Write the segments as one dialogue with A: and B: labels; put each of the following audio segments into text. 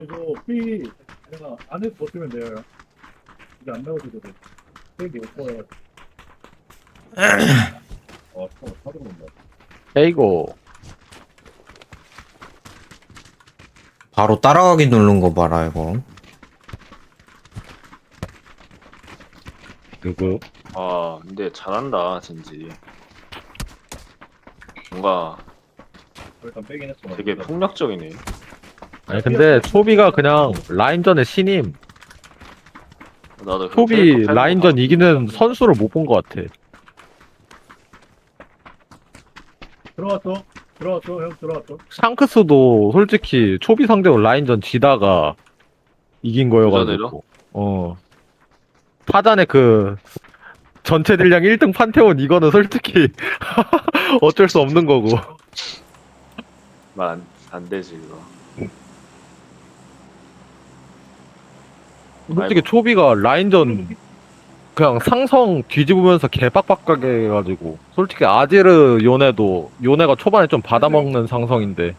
A: 이거 피 내가 안에 버티면 돼요. 이게 안 나오지도 팩이 없어요. 사도 온다.
B: 에이고.
C: 바로 따라가기 누른 거 봐라, 이거.
B: 누구?
D: 아, 근데 잘한다, 진지. 뭔가
A: 일단 빼긴 했어.
D: 되게 폭력적이네.
B: 아니 근데 초비가 그냥 라인전의 신임.
D: 나도 그
B: 초비
D: 캐릭터 팬
B: 라인전
D: 보고
B: 이기는 선수를 못 본 것 같아.
A: 들어왔어. 들어왔어. 형 들어왔어.
B: 샹크스도 솔직히 초비 상대로 라인전 지다가 이긴 거여가지고. 어. 타잔의 그 전체 딜량 1등 판테온 이거는 솔직히 어쩔 수 없는 거고.
D: 말안 되지, 이거.
B: 솔직히
D: 아이고.
B: 초비가 라인전 그냥 상성 뒤집으면서 개빡빡하게 해가지고 솔직히 아지르 요네가 초반에 좀 받아먹는 상성인데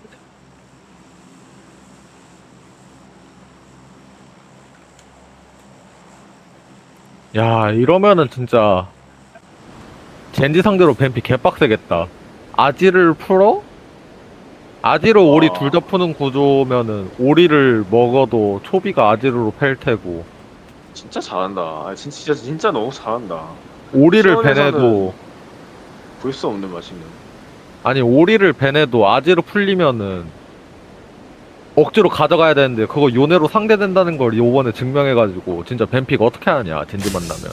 B: 야 이러면은 진짜 젠지 상대로 뱀피 개빡세겠다. 아지를 풀어? 아지르 오리 둘 다 푸는 구조면은 오리를 먹어도 초비가 아지르로 팰 테고
D: 진짜 잘한다. 아, 진짜 너무 잘한다.
B: 오리를
D: 수원에서는-
B: 베내도
D: 볼 수 없는 맛이네.
B: 아니 오리를 베내도 아지르 풀리면은 억지로 가져가야 되는데 그거 요네로 상대된다는 걸 요번에 증명해가지고 진짜 뱀픽 어떻게 하냐 젠지 만나면.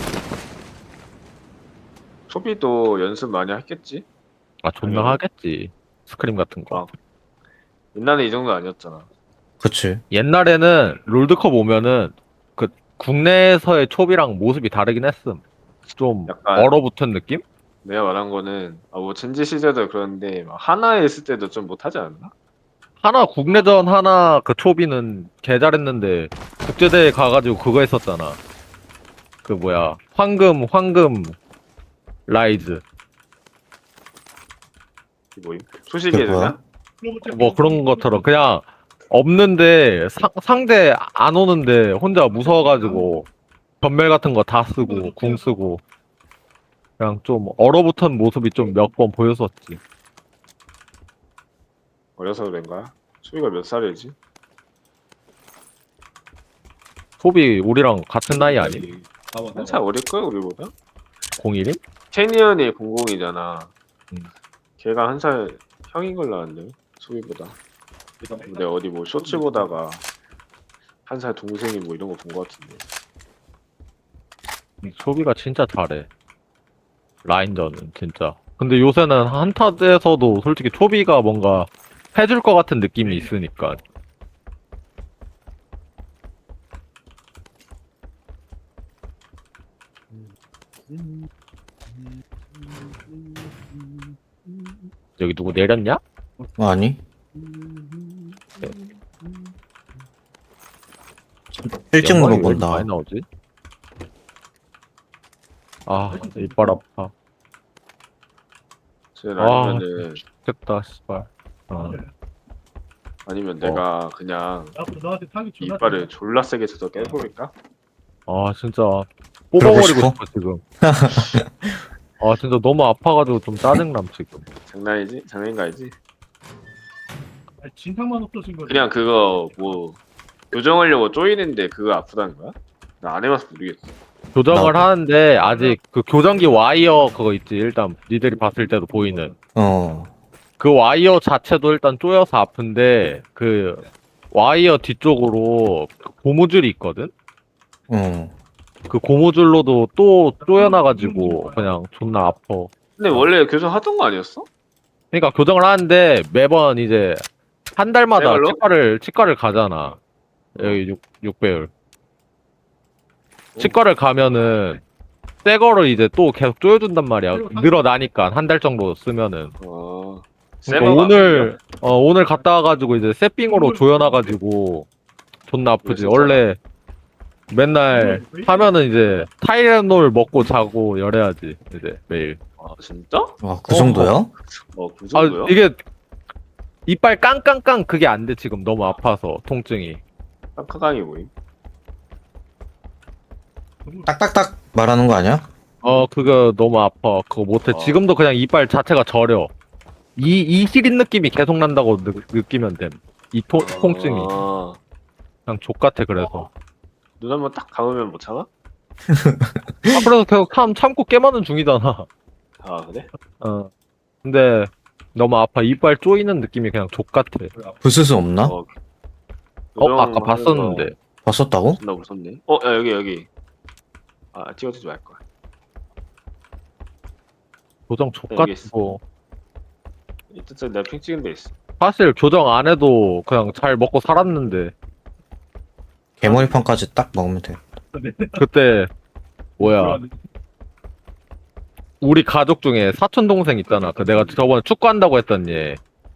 D: 초비도 연습 많이 했겠지?
B: 아 존나
D: 당연히.
B: 하겠지 스크림 같은 거.
D: 아. 옛날에 이 정도 아니었잖아.
C: 그치.
B: 옛날에는 롤드컵 오면은 그 국내에서의 초비랑 모습이 다르긴 했음. 좀
D: 약간-
B: 얼어붙은 느낌?
D: 내가 말한 거는 뭐 젠지 시절도 그런데 막 하나에 있을 때도 좀 못하지 않나?
B: 하나 국내전 하나 그 초비는 개 잘했는데 국제대회 가가지고 그거 했었잖아. 그 뭐야 황금 라이즈
D: 이 뭐임? 소식이
C: 그게 뭐야?
D: 되냐?
B: 뭐 그런 것처럼 그냥 없는데 상대 안 오는데 혼자 무서워가지고 전멸 같은 거 다 쓰고 궁 쓰고 그냥 좀 얼어붙은 모습이 좀 몇 번 보였었지.
D: 어려서 그런가? 초비가 몇 살이지?
B: 소비 우리랑 같은 나이 아니?
D: 한살 어릴걸 우리보다?
B: 01임?
D: 캐니언이 00이잖아.
B: 음.
D: 걔가 한 살 형인 걸로 아는데 소비보다. 근데 어디 뭐 쇼츠 보다가 한 살 동생이 뭐 이런 거 본 거 같은데.
B: 소비가 진짜 잘해. 라인전은 진짜. 근데 요새는 한타에서도 솔직히 초비가 뭔가 해줄 것 같은 느낌이 있으니까. 여기 누구 내렸냐?
C: 아니. 1층으로
B: 연막이 왜 이렇게
C: 본다.
B: 많이 나오지? 아, 이빨 아파.
D: 아니면은
B: 됐다, 씨발. 어.
D: 아니면 내가 그냥
A: 너한테 타기 존나
D: 이빨을 졸라 세게 쳐서 깨버릴까?
B: 아, 진짜 뽑아버리고
C: 그러고
B: 싶어, 지금. 아, 진짜 너무 아파가지고 좀 짜증남, 지금.
D: 장난이지? 장난인가이지?
A: 아니, 진탕만 없어진 거지.
D: 그냥 그거 뭐 교정하려고 쪼이는데 그거 아프다는 거야? 나 안 해봐서 모르겠어.
B: 교정을
C: 나도.
B: 하는데, 아직 그 교정기 와이어 그거 있지, 일단, 니들이 봤을 때도 보이는.
C: 어.
B: 그 와이어 자체도 일단 쪼여서 아픈데, 그, 와이어 뒤쪽으로 그 고무줄이 있거든?
C: 어.
B: 그 고무줄로도 또 쪼여나가지고, 그냥 존나 아파.
D: 근데 원래 교정하던 거 아니었어?
B: 그러니까 교정을 하는데 매번 이제 한 달마다
D: 새 걸로?
B: 치과를 가잖아. 여기 6배율. 치과를 가면은 새 거를 이제 또 계속 조여준단 말이야. 늘어나니까 한 달 정도 쓰면은.
D: 어.
B: 그러니까 오늘 갔다 와가지고 이제 새삥으로 조여놔가지고 존나 아프지. 원래 맨날 하면은 이제 타이레놀 먹고 자고 열해야지 이제 매일.
D: 아 진짜?
C: 와, 그 정도야?
D: 그
B: 아
D: 정도야?
B: 이게 이빨 깡깡깡 그게 안 돼 지금 너무 아파서 통증이.
D: 깜깜하게 보임.
C: 딱딱딱 말하는 거 아니야?
B: 그거 너무 아파. 그거 못해. 지금도 그냥 이빨 자체가 저려. 이 시린 느낌이 계속 난다고 느끼면 됨. 이 통증이.
D: 아,
B: 그냥 족같아, 그래서.
D: 눈 한번 딱 감으면 못 참아?
B: 그래서 계속 참고 깨마는 중이잖아.
D: 아 그래?
B: 근데 너무 아파. 이빨 쪼이는 느낌이 그냥 족같아.
C: 부스스 없나?
B: 아까 봤었는데.
C: 봤었다고?
D: 나 무섭네. 야 여기. 아 찍어주지 말 거야.
B: 교정 족같고.
D: 이쪽 내가 핑 찍은 데 있어.
B: 사실 교정 안 해도 그냥 잘 먹고 살았는데.
C: 개머리판까지 딱 먹으면 돼.
B: 그때, 뭐야. 우리 가족 중에 사촌 동생 있잖아. 그 내가 저번에 축구한다고 했던 얘.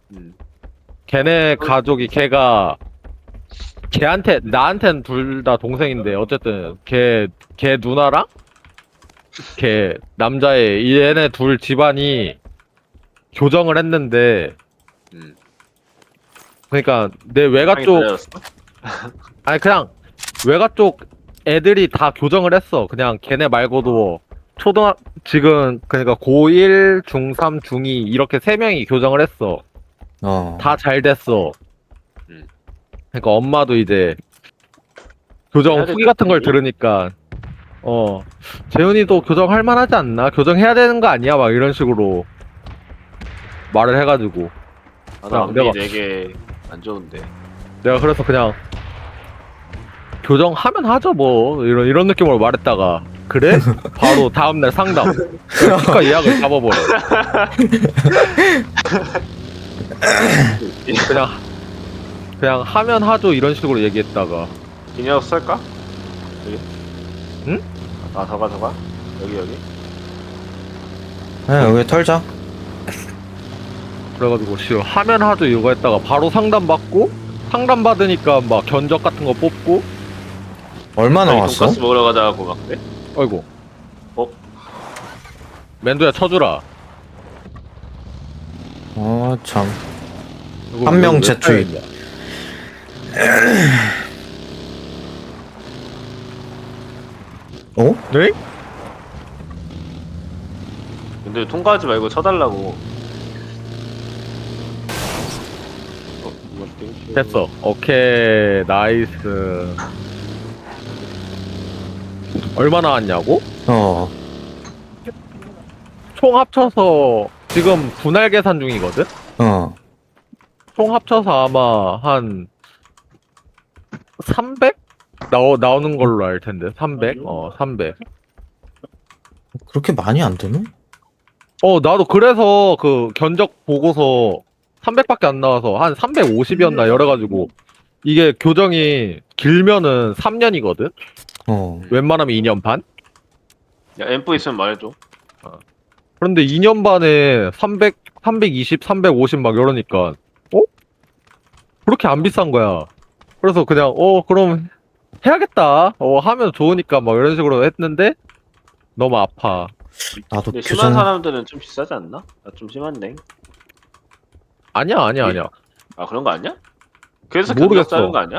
B: 걔네 가족이 나한텐 둘 다 동생인데 어쨌든 걔 누나랑 걔 남자애 얘네 둘 집안이 교정을 했는데
D: 음.
B: 그러니까 내 외가 쪽 아니 그냥 외가 쪽 애들이 다 교정을 했어. 그냥 걔네 말고도 지금 그러니까 고1, 중3, 중2 이렇게 3명이 교정을 했어. 다 잘 됐어. 그러니까 엄마도 이제 교정 후기 같은 걸 들으니까 재훈이도 교정할 만하지 않나? 교정해야 되는 거 아니야? 막 이런 식으로 말을 해가지고
D: 나 앞니 되게 안 좋은데.
B: 내가 그래서 그냥 교정하면 하죠 뭐 이런 느낌으로 말했다가 그래? 바로 다음날 상담 치과 예약을 잡아버려. 그냥 하면 하죠 이런 식으로 얘기했다가
D: 이 녀석 쓸까? 여기?
B: 응?
D: 더 가. 여기.
C: 여기 털자.
B: 그래가지고 하면 하죠 이거 했다가 바로 상담 받으니까 막 견적 같은 거 뽑고.
C: 얼마 나왔어?
D: 돈가스 먹으러 가자고 막 그래?
B: 아이고. 맨두야 쳐주라.
C: 참. 한 명 재투입.
B: 네?
D: 근데 통과하지 말고 쳐달라고.
B: 됐어. 오케이 나이스. 얼마 나왔냐고? 총 합쳐서 지금 분할 계산 중이거든? 총 합쳐서 아마 한 300? 나오는 걸로 알 텐데 300? 300.
C: 그렇게 많이 안 되네?
B: 나도 그래서 그 견적 보고서 300밖에 안 나와서 한 350이었나 열어가지고 이게 교정이 길면은 3년이거든? 웬만하면 2년 반?
D: 야 앰프 있으면 말해줘.
B: 그런데 2년 반에 300, 320, 350 막 이러니까 그렇게 안 비싼 거야. 그래서 그냥 그럼 해야겠다. 하면 좋으니까 막 이런 식으로 했는데 너무 아파.
C: 나도
D: 근데 심한 사람들은 좀 비싸지 않나? 나 좀 심한데.
B: 아니야.
D: 아 그런 거 아니야? 그래서
B: 모르겠어.
D: 견적 짜는 거 아니야?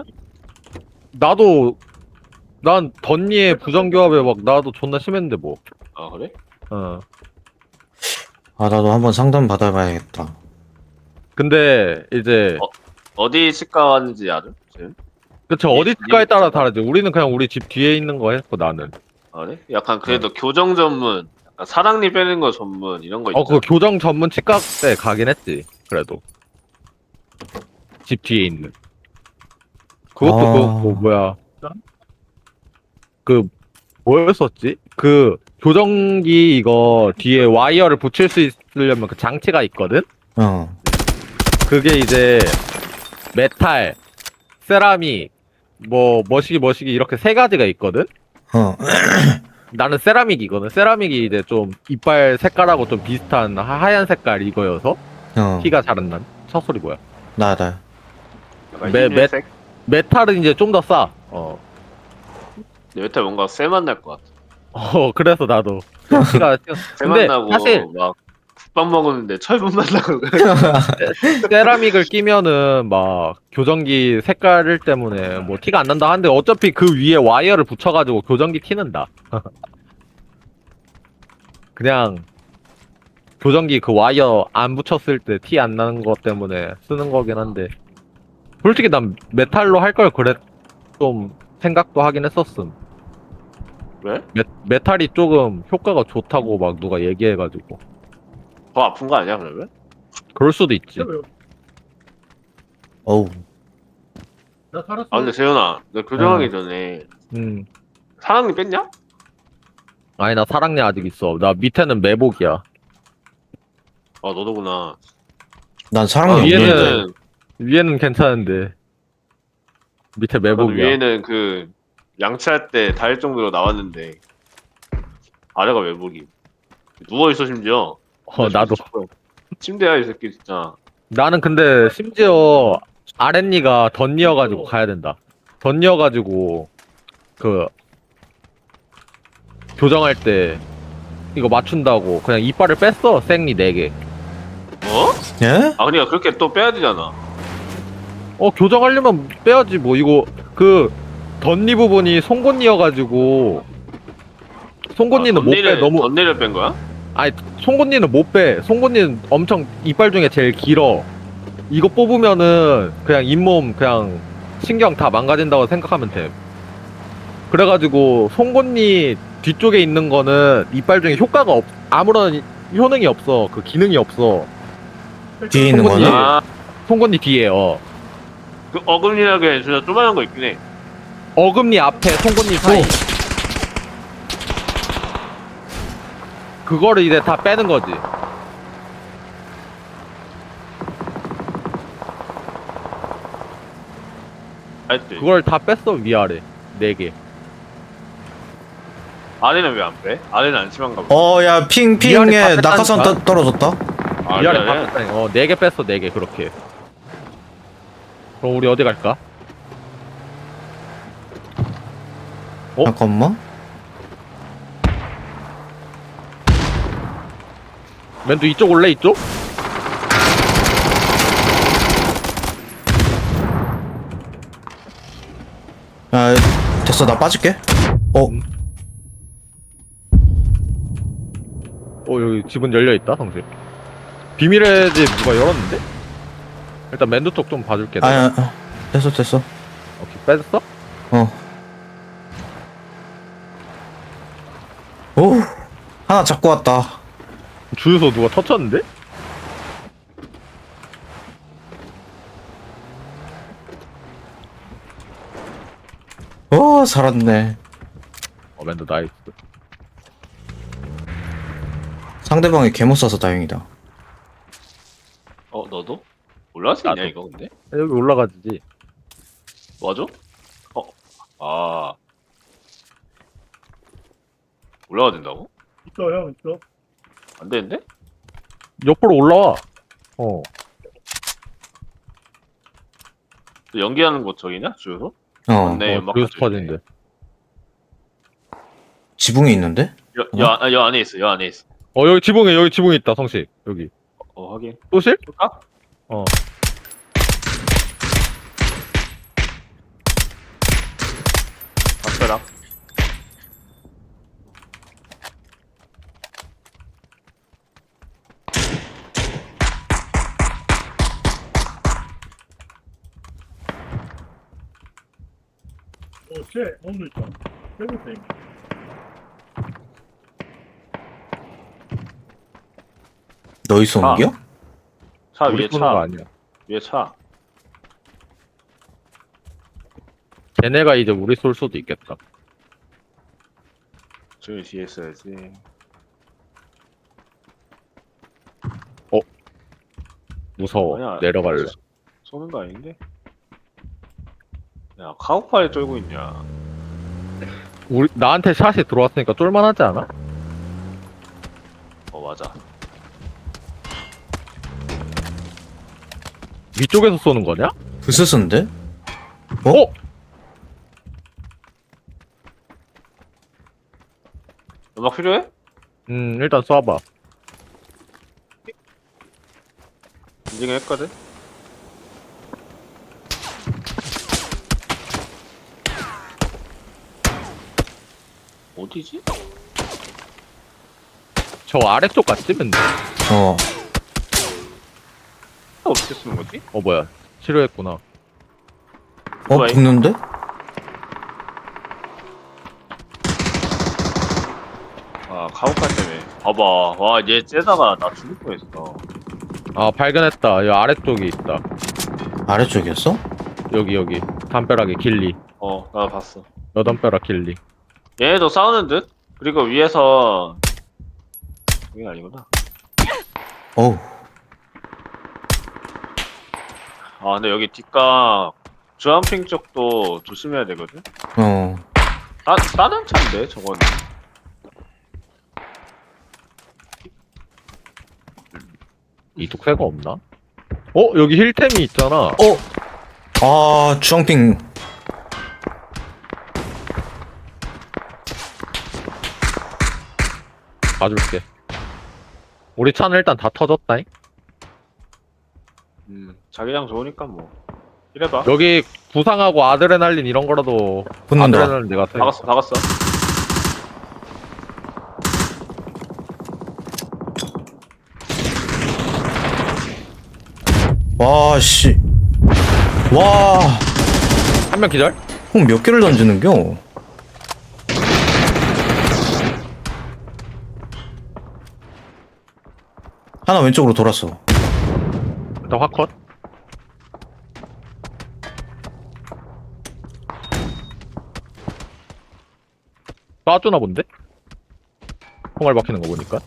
B: 난 덧니에 부정교합에 막 나도 존나 심했는데 뭐.
D: 아 그래?
C: 나도 한번 상담 받아봐야겠다.
B: 근데 이제
D: 어디 치과 왔는지 알아? 지금?
B: 그쵸 어디 치과에 따라 다르지. 우리는 그냥 우리 집 뒤에 있는 거 했고 나는.
D: 아 그래? 약간 그래도 교정 전문, 약간 사랑니 빼는 거 전문 이런 거 있잖아.
B: 그 교정 전문 치과 때 가긴 했지. 그래도 집 뒤에 있는. 그것도 뭐야. 뭐였었지? 그 교정기 이거 뒤에 와이어를 붙일 수 있으려면 그 장치가 있거든? 그게 이제 메탈, 세라믹, 머시기 이렇게 3가지가 있거든? 나는 세라믹이거든. 세라믹이 이제 좀 이빨 색깔하고 좀 비슷한 하얀 색깔 이거여서 티가 잘 안 난. 첫 소리 뭐야?
C: 나.
D: 흰색?
B: 메탈은 이제 좀 더 싸.
D: 근데 메탈 뭔가 쎄만 날 것 같아.
B: 그래서 나도 티가
D: 쎄만
B: 근데
D: 나고
B: 사실
D: 막 국밥 먹었는데 철분 만나고
B: 세라믹을 끼면은 막 교정기 색깔 때문에 뭐 티가 안 난다 하는데 어차피 그 위에 와이어를 붙여가지고 교정기 티는다. 그냥 교정기 그 와이어 안 붙였을 때 티 안 나는 것 때문에 쓰는 거긴 한데 솔직히 난 메탈로 할 걸 그랬 좀 생각도 하긴 했었음.
D: 왜?
B: 메탈이 조금 효과가 좋다고 막 누가 얘기해가지고
D: 더 아픈 거 아니야 그러면?
B: 그럴 수도 있지.
C: 어우.
A: 나 살았어.
D: 아 근데 재현아 너 교정하기 전에
B: 음.
D: 사랑니 뺐냐?
B: 아니 나 사랑니 아직 있어. 나 밑에는 매복이야.
D: 아 너도구나.
C: 난
D: 아,
C: 사랑이
B: 위에는-
C: 없는데.
B: 위에는 괜찮은데 밑에
D: 나도
B: 매복이야.
D: 위에는 그 양치할 때 닿을 정도로 나왔는데 아래가 외복이. 누워 있어 심지어.
B: 나도.
D: 침대야 이 새끼 진짜.
B: 나는 근데 심지어 아랫니가 덧니어가지고 가야 된다. 덧니어가지고 그 교정할 때 이거 맞춘다고 그냥 이빨을 뺐어. 생리 4개.
D: 어?
C: 예?
D: 아 그러니까 그렇게 또 빼야 되잖아.
B: 교정하려면 빼야지 뭐. 이거 그 덧니 부분이 송곳니여가지고 송곳니는 못 빼. 너무
D: 덧니를 뺀 거야?
B: 아니 송곳니는 못 빼. 송곳니는 엄청 이빨 중에 제일 길어. 이거 뽑으면은 그냥 잇몸 그냥 신경 다 망가진다고 생각하면 돼. 그래가지고 송곳니 뒤쪽에 있는 거는 이빨 중에 효과가 아무런 효능이 없어. 그 기능이 없어.
C: 뒤에 있는
B: 송곳니.
C: 거는?
D: 아,
B: 송곳니 뒤에
D: 그 어금니라게 진짜 조만한 거 있긴 해.
B: 어금니 앞에 송곳니 사이. 그거를 이제 다 빼는 거지.
D: 알지?
B: 그걸 다 뺐어. 위아래 4개.
D: 아래는 왜 안 빼? 아래는 안 심한가 보다.
C: 야,
B: 위아래
C: 핑핑에
B: 다
C: 낙하산
B: 뺐다니까?
C: 떨어졌다.
D: 아,
B: 위아래
D: 그래?
B: 다 뺐다니. 4개 뺐어. 4개 그렇게. 그럼 우리 어디 갈까?
C: 잠깐만.
B: 맨도 이쪽 올래 이쪽?
C: 야, 됐어, 나 빠질게.
B: 여기 집은 열려있다 성실. 비밀의 집 누가 열었는데? 일단 맨두 쪽 좀 봐줄게. 내가.
C: 아야, 됐어, 됐어.
B: 오케이 뺐어?
C: 오, 하나 잡고 왔다.
B: 주유소 누가 터쳤는데?
C: 살았네.
B: 맨두 나이스.
C: 상대방이 개못 쏴서 다행이다.
D: 너도? 올라갈 수 있냐
B: 나도.
D: 이거 근데?
B: 여기 올라가지.
D: 맞아? 아 올라가야 된다고?
A: 있어 형 있어.
D: 안 되는데?
B: 옆으로 올라와.
D: 또 연기하는 곳 저기냐? 주유소? 네, 연막
B: 주유소
D: 가지고
B: 터진데.
C: 지붕이 있는데?
D: 여 안에 있어. 여 안에 있어.
B: 여기 지붕에 있다 성실. 여기.
D: 확인.
B: 또실?
D: 볼까? 박사랑.
A: 쟤 오늘 있다. 빼보세요.
C: 너희 쏘는 겨?
D: 차
B: 우리
D: 위에
B: 쏘는 거
D: 차.
B: 아니야.
D: 위에 차.
B: 걔네가 이제 우리 쏠 수도 있겠다.
D: 저기 뒤에 있어야지.
B: 무서워.
D: 아니야.
B: 내려갈래.
D: 쏘는 거 아닌데? 야 카우파에 쫄고 있냐?
B: 나한테 샷이 들어왔으니까 쫄만하지 않아?
D: 맞아.
B: 위쪽에서 쏘는 거냐?
C: 부스스인데?
D: 음악 필요해?
B: 일단 쏴봐.
D: 인증했거든? 어디지?
B: 저 아래쪽 같으면 돼.
C: 어.
D: 어떻게 쓰는 거지?
B: 뭐야. 치료했구나.
C: 어, 붙는데?
D: 아, 가오카 때문에. 봐봐. 와, 얘 째다가 나 죽을 뻔했어.
B: 아, 발견했다. 이 아래쪽에 있다.
C: 아래쪽이었어?
B: 여기. 담벼락에 길리.
D: 나 봤어.
B: 여담벼락 길리.
D: 얘네도 싸우는 듯? 그리고 위에서 이게 아니구나.
C: 어우.
D: 아, 근데 여기 뒷각 주한핑 쪽도 조심해야 되거든?
C: 어.
D: 다른 차인데, 저거는.
B: 이쪽 새가 없나? 여기 힐템이 있잖아.
C: 아, 주황핑.
B: 봐줄게. 우리 차는 일단 다 터졌다잉?
D: 자기장 좋으니까 뭐. 이래봐.
B: 여기 부상하고 아드레날린 이런 거라도
C: 붙는다.
B: 아드레날린 내가 세.
D: 박았어.
C: 와, 씨. 와.
B: 한 명 기절?
C: 형 몇 개를 던지는겨? 하나 왼쪽으로 돌았어.
B: 일단 화컷. 쏴주나 본데? 총알 박히는 거 보니까.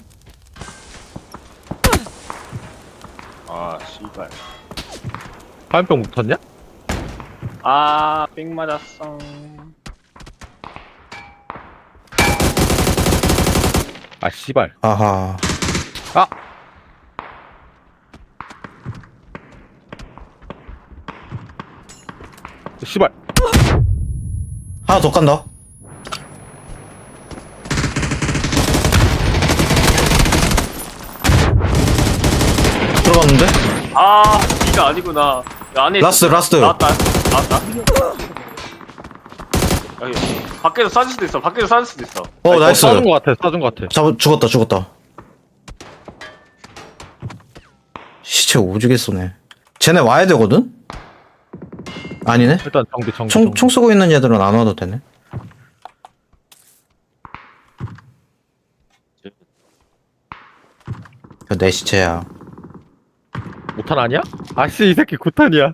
D: 아, 씨발.
B: 화염병 붙었냐?
D: 아, 삥 맞았어.
B: 아 씨발.
C: 아하.
B: 씨발.
C: 하나 더 간다. 들어갔는데?
D: 아, 이가 아니구나. 야, 안에
C: 라스트,
D: 있어.
C: 라스트.
D: 나왔다. 여기 밖에서 쏴줄 수도 있어. 밖에서 쏴줄 수도 있어.
C: 나이스.
B: 쏴준 거 같아. 쏴준 거 같아.
C: 죽었다. 시체 오지게 쏘네. 쟤네 와야 되거든? 아니네?
B: 일단 정비.
C: 총 쏘고 있는 애들은 안 와도 되네. 내 시체야.
B: 못탄 아니야? 아씨 이 새끼 9탄이야.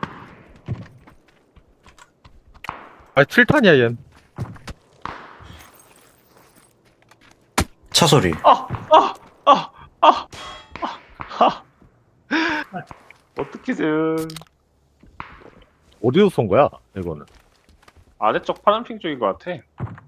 B: 아 7탄이야 얜.
C: 차 소리.
D: 어떻게든
B: 어디서 쏜 거야 이거는?
D: 아래쪽 파란핑 쪽인 것 같아.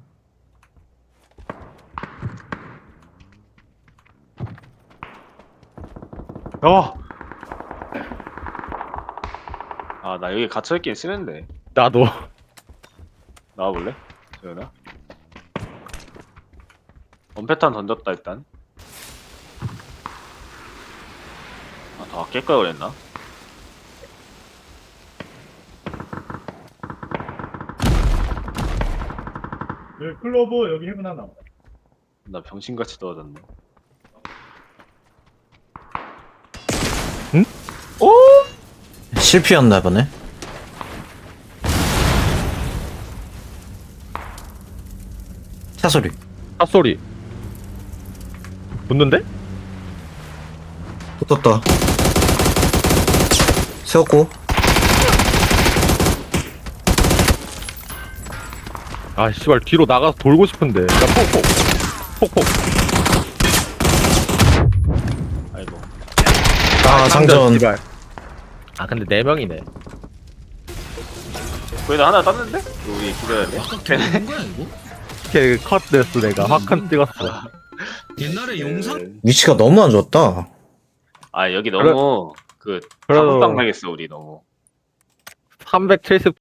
D: 아, 나 여기 갇혀있긴 싫은데.
B: 나도.
D: 나와볼래? 재현아? 원패탄 던졌다 일단. 더 아낄 걸 그랬나?
A: 여기 클로버 여기 해븐 하나.
D: 나 병신같이 떨어졌네.
C: 실패였나 보네. 차 소리.
B: 샷소리. 붙는데?
C: 붙었다. 세웠고.
B: 아 씨발 뒤로 나가서 돌고 싶은데. 야 폭.
D: 아이고.
C: 장전.
B: 씨발. 아 근데 4명이네.
D: 거기다 하나 땄는데? 우리 기다려야 돼?
B: 이렇게 컷 됐어 내가. 화칸 찍었어.
E: 옛날에 용산
C: 위치가 너무 안 좋았다.
D: 아, 여기 너무 그
B: 그래도-
D: 자국당 당했어 우리 너무.
B: 370